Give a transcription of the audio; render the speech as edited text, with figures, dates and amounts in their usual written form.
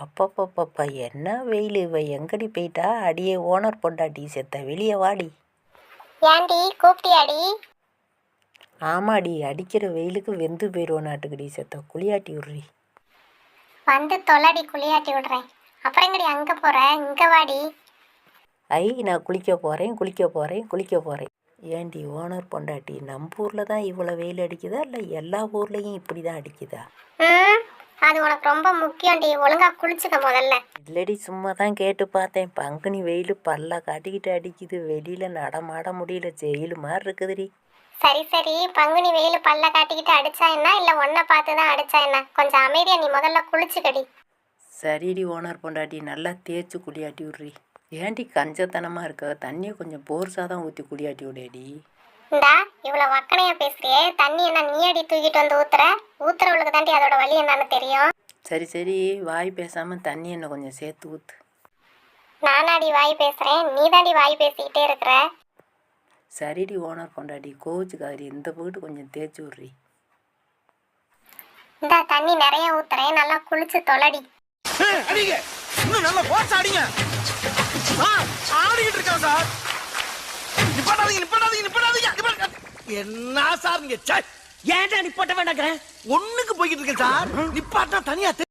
அப்பப்பப்பப்பா என்ன வெயில்! இவ எங்கடி போயிட்டா? அடியே ஓனர் பொண்டாட்டி செத்த வெளியே வாடி. ஏன்டி கூப்பிட்டியாடி? ஆமாடி, அடிக்கிற வெயிலுக்கு வெந்து போயிடுவோம் நாட்டுக்குடி செத்த. குளியாட்டி விட்றி. வந்து தொலைடி, குளியாட்டி விடுறேன். அப்புறம் எங்கடி அங்கே போற? இங்கே வாடி. நான் குளிக்க போகிறேன். ஏண்டி ஓனர் பொண்டாட்டி, நம்ம ஊரில் தான் இவ்வளோ வெயில் அடிக்குதா இல்லை எல்லா ஊர்லேயும் இப்படி தான் அடிக்குதா? அது உனக்கு ரொம்ப முக்கியம்டி. ஒழுங்கா குளிச்சுக்க முதல்ல. இல்லடி, சும்மா தான் கேட்டு பார்த்தேன். பங்குனி வெயில் பல்ல காட்டிக்கிட்டு அடிக்குது. வெளியில் நடமாட முடியல, ஜெயிலு மாதிரி இருக்குதுடி. சரி, பங்குனி வெயில் பல்ல காட்டிக்கிட்டு அடிச்சா என்ன, இல்லை ஒன்றை பார்த்து தான் அடிச்சா என்ன? கொஞ்சம் அமைதியா நீ முதல்ல குளிச்சுக்கடி. சரிடி ஓனர் பொண்டாட்டி, நல்லா தேய்ச்சி குளியாட்டி விட்றி. ஏன்டி கஞ்சத்தனமாக இருக்க? தண்ணியை கொஞ்சம் போர்ஸாக தான் ஊற்றி குளியாட்டி விடேடி. இந்தா இவ்வளோ வக்கனையா பேசுறியே, தண்ணி என்ன நீ அடி தூக்கிட்டு வந்து ஊத்துறவளுக்கு தாண்டி அதோட வழி என்னன்னு தெரியும். சரி, வாய் பேசாமல் தண்ணி என்ன கொஞ்சம் சேர்த்து ஊற்று. நானாடி வாய் பேசுகிறேன், நீ தாண்டி வாய் பேசிக்கிட்டே இருக்கிற. சரிடி ஓனர் பொண்டாட்டி, கோவிச்சுக்காரி, இந்த போட்டு கொஞ்சம் தேய்ச்சி விட்றி. இந்த தண்ணி நிறைய ஊத்துறேன், நல்லா குளிச்சு தொலைடி. என்ன சார் நீங்க ஏன்டா நிப்பாட்ட வேண்டாங்க? ஒண்ணுக்கு போய்கிட்டு இருக்கேன் சார். நிப்பாட்டா தனியா